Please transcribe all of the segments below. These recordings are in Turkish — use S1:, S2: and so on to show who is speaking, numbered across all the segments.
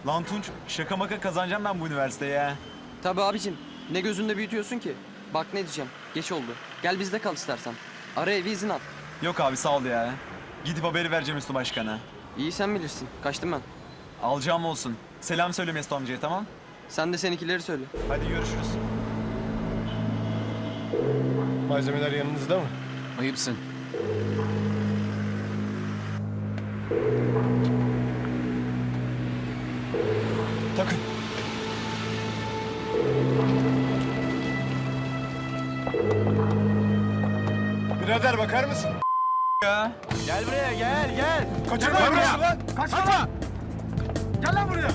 S1: Lan Tunç, şaka maka kazanacağım ben bu üniversiteye ya.
S2: Tabii abicim. Ne gözünde büyütüyorsun ki? Bak ne diyeceğim. Geç oldu. Gel bizde kal istersen. Ara evi izin al.
S1: Yok abi sağ ol ya. Gidip haberi vereceğim Üstü Başkan'a.
S2: İyi sen bilirsin. Kaçtım ben.
S1: Alacağım olsun. Selam söyle Mesut amcaya, tamam?
S2: Sen de seninkileri söyle.
S1: Hadi görüşürüz.
S3: Malzemeler yanınızda mı?
S4: Ayıpsın.
S3: Takın. Birader bakar mısın?
S1: Ya. Gel buraya, gel.
S3: Kaçırma lan!
S1: Kaçma! Gel lan buraya.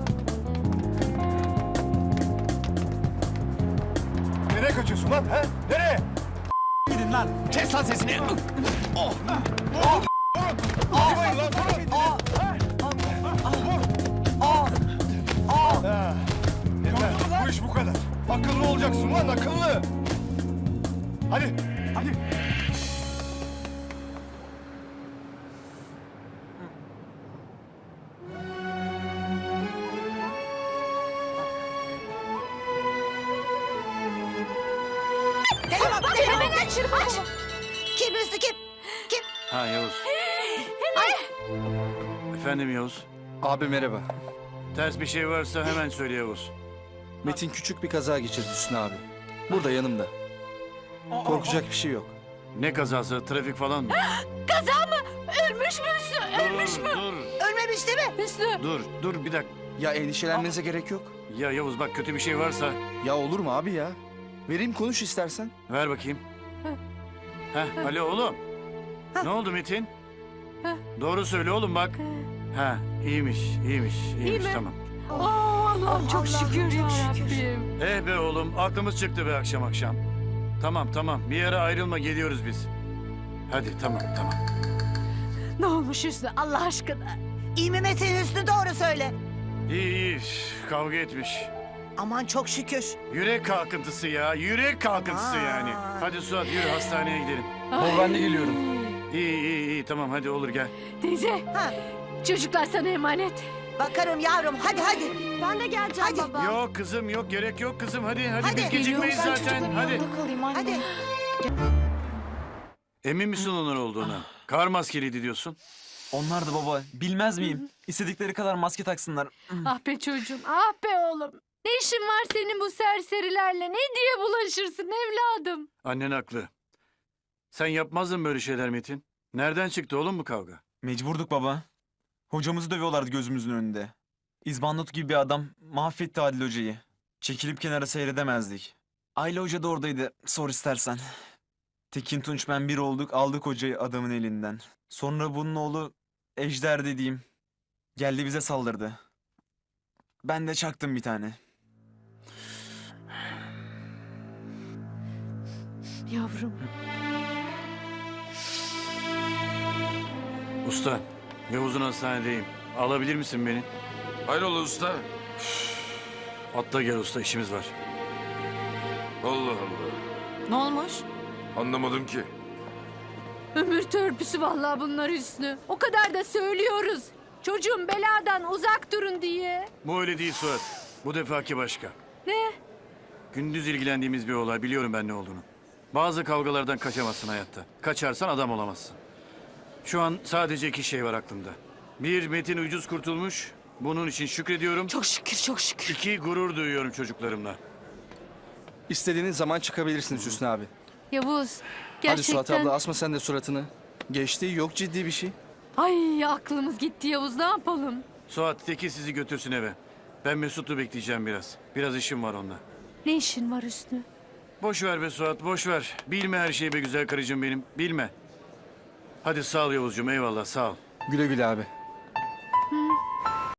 S3: Nereye kaçıyorsun lan? Ha? Nereye?
S1: Gidin lan.
S4: Kes lan sesini.
S3: Vurmayın lan, vurun! Ha. Yeter, bu iş bu kadar. Akıllı olacaksın lan, akıllı! Hadi!
S5: Hemen aç. Kim Hüsnü kim? Kim?
S6: Ha Yavuz. Efendim Yavuz.
S7: Abi merhaba.
S6: Ters bir şey varsa hemen söyle Yavuz.
S7: Metin küçük bir kaza geçirdi Hüsnü abi. Burada yanımda. Korkacak bir şey yok.
S6: Ne kazası? Trafik falan mı?
S5: Ölmüş mü Hüsnü? Ölmüş mü?
S6: Dur.
S5: Ölmemiş değil mi? Hüsnü.
S6: Dur bir dakika.
S7: Ya endişelenmenize gerek yok.
S6: Ya Yavuz bak kötü bir şey varsa
S7: Ya olur mu abi ya? Vereyim konuş istersen.
S6: ver bakayım. Alo oğlum. Ne oldu Metin? Doğru söyle oğlum bak. İyiymiş tamam.
S5: Allah'ım çok şükür ya Rabbim.
S6: Be oğlum aklımız çıktı be akşam. Tamam bir yere ayrılma geliyoruz biz. Hadi tamam.
S5: Ne olmuş Hüsnü Allah aşkına? İyi mi Metin Hüsnü doğru söyle.
S6: İyi kavga etmiş.
S5: Aman çok şükür.
S6: Yürek kalkıntısı ya. Yürek kalkıntısı yani. Hadi Suat yürü hastaneye gidelim.
S2: Ben de geliyorum.
S6: İyi tamam hadi olur gel.
S8: Teyze,
S5: Ha,
S8: çocuklar sana emanet.
S5: bakarım yavrum hadi.
S8: Ben de geleceğim
S5: Hadi.
S8: baba.
S6: Yok kızım yok gerek yok kızım hadi
S5: Hadi.
S6: biz gecikmeyiz zaten hadi.
S5: Hadi.
S6: Emin misin onlar olduğuna? Kar maskeliydi diyorsun.
S1: Onlar da baba, bilmez miyim? İstedikleri kadar maske taksınlar.
S8: Ah be çocuğum, ah be oğlum. Ne işin var senin bu serserilerle? Ne diye bulaşırsın evladım?
S6: Annen haklı. Sen yapmazdın böyle şeyler Metin. Nereden çıktı oğlum bu kavga?
S1: Mecburduk baba. Hocamızı dövüyorlardı gözümüzün önünde. İzbandut gibi bir adam mahvetti Adil Hoca'yı. Çekilip kenara seyredemezdik. Ayla Hoca da oradaydı, sor istersen. Tekin Tunç ben bir olduk, aldık hocayı adamın elinden. Sonra bunun oğlu Ejder dediğim geldi bize saldırdı. Ben de çaktım bir tane.
S8: Yavrum.
S6: Usta, Yavuz'un hastanedeyim. Alabilir misin beni?
S9: Hayrola usta?
S6: Atla gel usta işimiz var.
S9: Allah Allah.
S5: Ne olmuş?
S9: Anlamadım ki.
S8: Ömür törpüsü vallahi bunlar Hüsnü. O kadar da söylüyoruz. Çocuğum beladan uzak durun diye.
S6: Bu öyle değil Suat. Bu defaki başka.
S8: Ne?
S6: Gündüz ilgilendiğimiz bir olay. Biliyorum ben ne olduğunu. Bazı kavgalardan kaçamazsın hayatta. Kaçarsan adam olamazsın. Şu an sadece iki şey var aklımda. Bir, Metin ucuz kurtulmuş. Bunun için şükrediyorum.
S5: Çok şükür.
S6: İki, gurur duyuyorum çocuklarımla.
S7: İstediğiniz zaman çıkabilirsiniz Hüsnü abi.
S8: Yavuz,
S7: Hadi
S8: gerçekten.
S7: Suat abla asma sen de suratını. Geçti yok ciddi bir şey.
S8: Ay aklımız gitti Yavuz, ne yapalım?
S6: Suat, Tekin sizi götürsün eve. Ben Mesut'u bekleyeceğim biraz. Biraz işim var onunla.
S8: Ne işin var Hüsnü?
S6: Boş ver be Suat, boş ver. Bilme her şeyi be güzel karıcığım benim. Bilme. Hadi sağ ol Yavuzcuğum, eyvallah sağ ol.
S7: Güle güle abi.